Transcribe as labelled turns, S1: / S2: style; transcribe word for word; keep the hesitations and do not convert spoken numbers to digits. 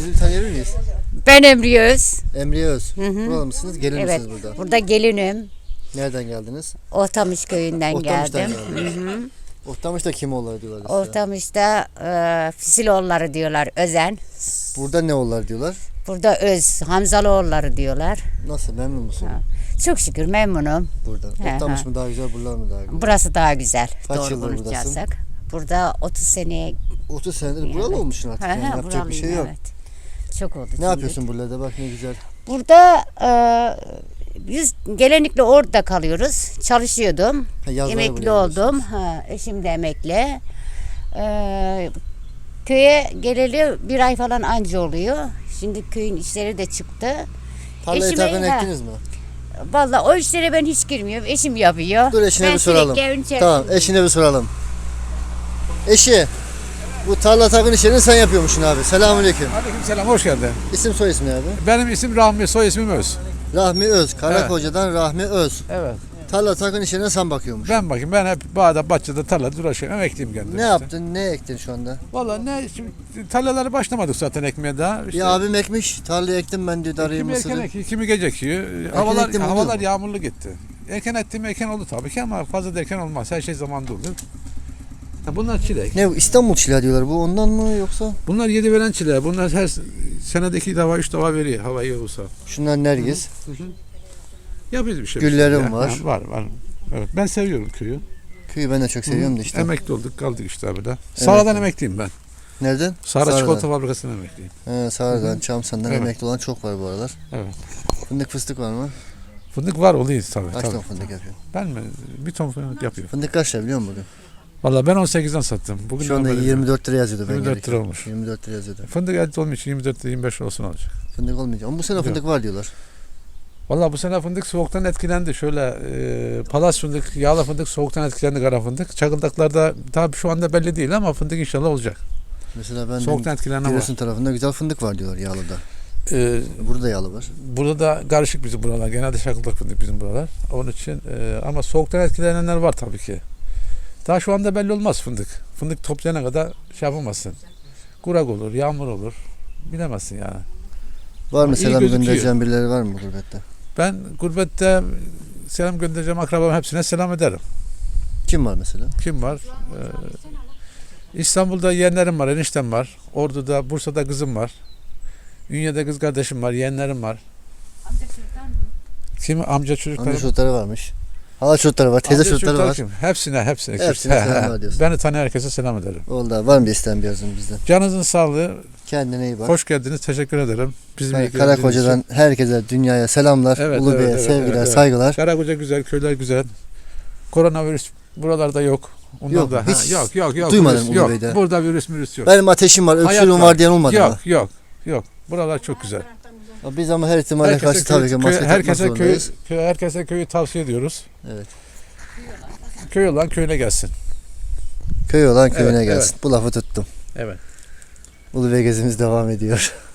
S1: Sizi bir tanıyabilir miyiz?
S2: Ben Emriye Öz.
S1: Emriye Öz.
S2: Hı hı.
S1: Buralı mısınız? Gelin
S2: Evet.
S1: misiniz burada?
S2: Burada gelinim.
S1: Nereden geldiniz?
S2: Ortamış köyünden
S1: Ortamış'tan
S2: geldim.
S1: geldiniz.
S2: Hı hı.
S1: Ortamış'ta kim oğulları diyorlar size?
S2: Ortamış'ta e, Fisiloğulları diyorlar, Özen.
S1: Burada ne oğulları diyorlar?
S2: Burada Öz, Hamzalıoğulları diyorlar.
S1: Nasıl, memnun musun?
S2: Ha. Çok şükür memnunum.
S1: Burada.
S2: He,
S1: Ortamış
S2: ha.
S1: mı daha güzel, buralar mı daha güzel?
S2: Burası daha güzel.
S1: Kaç
S2: Doğru
S1: yıldır buradasın?
S2: konuşacaksak. Burada otuz seneye
S1: otuz senedir buralı olmuşsun artık.
S2: Ha,
S1: Yani
S2: ha,
S1: yapacak bir şey
S2: buralıyım,
S1: yok.
S2: evet. Çok oldu.
S1: Ne
S2: şimdi.
S1: yapıyorsun buralarda? Bak ne güzel.
S2: Burada e, biz genellikle orada kalıyoruz. Çalışıyordum.
S1: Ha, yazları
S2: Emekli
S1: buraya
S2: oldum. Ha, eşim de emekli. Ee, köye geleli bir ay falan anca oluyor. Şimdi köyün işleri de çıktı.
S1: Tarlayı
S2: Eşime-
S1: takın
S2: ha.
S1: ektiniz mi?
S2: Vallahi o işlere ben hiç girmiyorum. Eşim yapıyor.
S1: Dur eşine
S2: ben
S1: bir soralım.
S2: sürekli evin içerisindeyim.
S1: Tamam, eşine bir soralım. Eşi, bu tarla takın işlerini sen yapıyormuşsun abi. Selamünaleyküm.
S3: Aleykümselam, hoş geldin.
S1: İsim soy ismi abi?
S3: Benim isim Rahmi, soy ismim Öz.
S1: Rahmi Öz. Karakoca'dan Rahmi Öz.
S3: Evet.
S1: Tarla takın işlerine sen bakıyormuş.
S3: Ben bakayım, ben hep bağda, bahçede, tarlada uğraşıyorum. Emekliyim kendim.
S1: Ne
S3: işte.
S1: yaptın? Ne ektin şu anda?
S3: Vallahi ne, şimdi tarlaları başlamadık zaten ekmeye daha. İşte,
S1: Ya abim ekmiş. Tarlayı ektim ben diyor. Darıyı
S3: kimi erken
S1: mısırı.
S3: ekiyor, kimi gece ekiyor. Havalar,
S1: ektim, oluyor
S3: havalar
S1: mu?
S3: yağmurlu gitti. Erken ettiğim erken oldu tabii ki ama fazla da erken olmaz. Her şey zamanında olur. Ha, bunlar çilek.
S1: Ne İstanbul çileği diyorlar. Bu ondan mı yoksa?
S3: Bunlar yedi veren çileği. Bunlar her senede iki defa, üç defa veriyor hava iyi olursa.
S1: Şunlar nergis.
S3: Yapıyoruz bir şey.
S1: Güllerim
S3: bir şey.
S1: var.
S3: Ha, var, var. Evet, ben seviyorum köyü.
S1: Köyü ben de çok seviyorum da işte.
S3: Emekli olduk, kaldık işte böyle. Sara'dan emekliyim ben.
S1: Nereden?
S3: Sara
S1: Sarı'dan.
S3: Çikolata Fabrikası'ndan emekliyim.
S1: He, Sarı'dan, Çamsan'dan
S3: Evet.
S1: emekli olan çok var bu aralar.
S3: Evet.
S1: Fındık fıstık var mı?
S3: Fındık var oluyor tabii.
S1: Kaç
S3: tabii.
S1: ton fındık yapıyor?
S3: Ben mi? Bir ton fındık yapıyor.
S1: Fındık kaç lira biliyor musun bugün?
S3: Vallahi ben on sekizden sattım. Bugün
S1: Şu anda
S3: haberim yok.
S1: yirmi dört lira yazıyordu ben
S3: yirmi dört
S1: gelirken.
S3: lira olmuş.
S1: yirmi dört lira yazıyordu.
S3: Fındık elde olmuş için yirmi dört lira yirmi beş lira olsun olacak.
S1: Fındık olmayacak. Ama bu sene
S3: Yok.
S1: fındık var diyorlar.
S3: Vallahi bu sene fındık soğuktan etkilendi. Şöyle e, palas fındık, yağlı fındık soğuktan etkilendi, kara fındık. Çakıldaklarda tabii şu anda belli değil ama fındık inşallah olacak.
S1: Mesela ben
S3: Soğuktan etkilenen var.
S1: Giresun tarafında güzel fındık var diyorlar yağlıda.
S3: E,
S1: Burada da yağlı var.
S3: Burada da karışık bizim buralar. Genelde çakıldak fındık bizim buralar. Onun için e, ama soğuktan etkilenenler var tabii ki. Daha şu anda belli olmaz fındık. Fındık toplayana kadar şey yapamazsın. Kurak olur, yağmur olur. Bilemezsin yani.
S1: Var mı
S3: iyi
S1: selam
S3: gözüküyor.
S1: göndereceğin birileri var mı gurbette?
S3: Ben gurbette selam göndereceğim akrabam hepsine selam ederim.
S1: Kim var mesela?
S3: Kim var? Ee, İstanbul'da yeğenlerim var, eniştem var. Ordu'da, Bursa'da kızım var. Ünye'de kız kardeşim var, yeğenlerim var. Kim? Amca çocukları.
S1: Amca çocukları varmış. Hala çocukları var, teyze
S3: Amca
S1: çocukları var.
S3: kim? Hepsine, hepsine.
S1: Hepsine
S3: He,
S1: selam
S3: he.
S1: var diyorsun.
S3: Beni tanıyan herkese selam ederim.
S1: Oldu abi. Var mı bir isteğin birazdan bizden?
S3: Canınızın sağlığı.
S1: Kendine iyi bak.
S3: Hoş geldiniz. Teşekkür ederim. Bizim
S1: Yani
S3: ilgilendiğiniz
S1: Karakoca'dan
S3: için.
S1: herkese, dünyaya selamlar.
S3: Evet,
S1: Ulubey'e
S3: evet, evet,
S1: sevgiler,
S3: evet, evet.
S1: saygılar.
S3: Karakoca güzel, köyler güzel. Koronavirüs buralarda yok. Onlar
S1: Yok,
S3: da,
S1: hiç
S3: ha, yok, yok, yok.
S1: duymadım
S3: virüs, yok.
S1: Ulubey'de.
S3: Burada virüs virüs yok.
S1: Benim ateşim var,
S3: Hayat
S1: öksürüğüm var diyen olmadı
S3: yok,
S1: mı?
S3: Yok, yok. Buralar çok güzel.
S1: Biz ama her ihtimale karşı tabii ki
S3: köy-
S1: maske takmak
S3: herkese köy,
S1: zorundayız.
S3: köy, herkese köyü tavsiye ediyoruz.
S1: Evet.
S3: Köy olan köyüne gelsin.
S1: Köy olan köyüne
S3: Evet,
S1: gelsin. Bu lafı tuttum.
S3: Evet.
S1: Ulubey gezimiz devam ediyor.